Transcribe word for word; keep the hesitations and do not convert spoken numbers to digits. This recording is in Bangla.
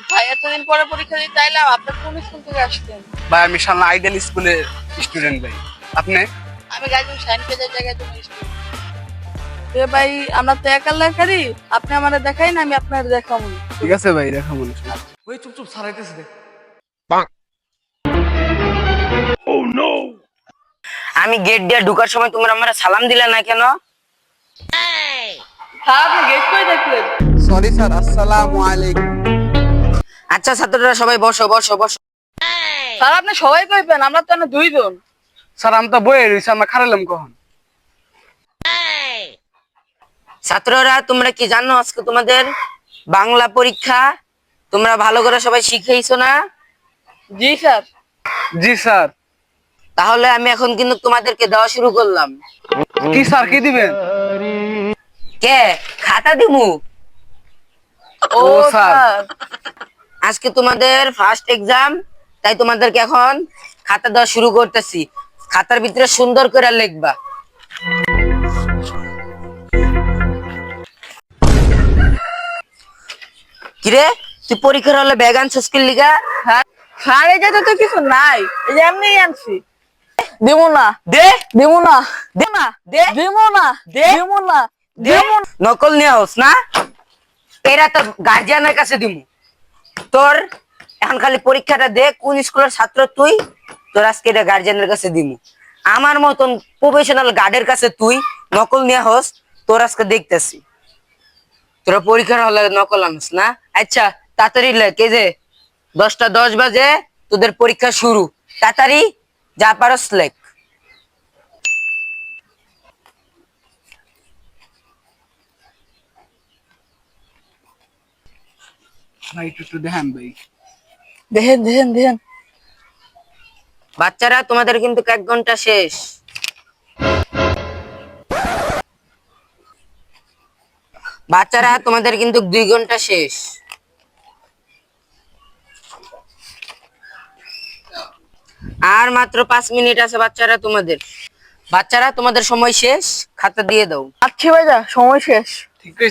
ভাই এতদিন পরে পরীক্ষা দিতে আইলাম, আপনি কোন স্কুল থেকে আসছেন? ভাই আমি শালনা আইডিয়াল স্কুলের স্টুডেন্ট ভাই। আপনি? আমি গাইজুম সাইন পেজের জায়গায় তুমি স্টুডেন্ট। এ ভাই আমরা তো একা লেখারি, আপনি আমারে দেখাই না, আমি আপনার দেখাবো। ঠিক আছে ভাই, দেখা মনে ওই চুপ চুপ সারাইতেছে দেখ। আমি গেট দিয়ে ঢুকার সময় তোমরা আমার সালাম দিলে না কেন? স্যার আপনি গেট করে দেখলেন? সরি স্যার, আসসালামু আলাইকুম। আচ্ছা ছাত্ররা সবাই বসো বসো বসো। স্যার আপনি সবাই কইবেন, আমরা তো না দুইজন। স্যার আমি তো বইয়ে রয়েছি, আমরা খারালাম কখন? ছাত্ররা তোমরা কি জানো আজকে তোমাদের বাংলা পরীক্ষা? তোমরা ভালো করে সবাই শিখেইছো না? জি স্যার। জি স্যার। তাহলে আমি এখন কিন্তু তোমাদেরকে দেওয়া শুরু করলাম। কি স্যার, কি দিবেন? কে খাতা দিমু? ও ও, স্যার। স্যার। আজকে তোমাদের ফার্স্ট এক্সাম, তাই তোমাদেরকে এখন খাতা দেওয়া শুরু করতেছি। খাতার ভিতরে সুন্দর করে লিখবা। কিরে তুই পরীক্ষার হলে ব্যাগ আনছিস কি লিগা? হ্যাঁ স্যার, এই জায়গায় তো কিছু নাই, এই যে এমনি আনছি। দিমু না, দে দিমু না, দে না দে দিমু না, দে। দিমু না, দে। দিমু না। নকল নিয়ে হোস না, এরা তো গার্জিয়ানের কাছে দিমু। তোর এখন খালি পরীক্ষাটা দে, কোন স্কুলের ছাত্র তুই, তোর আজকে এটা গার্জিয়ানের কাছে দিমু। আমার মতন প্রফেশনাল গার্ডের কাছে তুই নকল নিয়ে হোস, তোর আজকে দেখতেছি। তোরা পরীক্ষার হলে নকল আনস না? আচ্ছা তাড়াতাড়ি লেখ, এই যে দশটা দশ বাজে তোদের পরীক্ষা শুরু, তাড়াতাড়ি যা পারস লেখ। ভাই একটু একটু দেখেন ভাই। দেখেন দেখেন দেখেন। বাচ্চারা তোমাদের কিন্তু এক ঘন্টা শেষ। বাচ্চারা তোমাদের কিন্তু দুই ঘন্টা শেষ। আর মাত্র পাঁচ মিনিট আছে বাচ্চারা তোমাদের। বাচ্চারা তোমাদের সময় শেষ, খাতা দিয়ে দাও। আচ্ছা ভাইয়া, সময় শেষ। ঠিক আছে।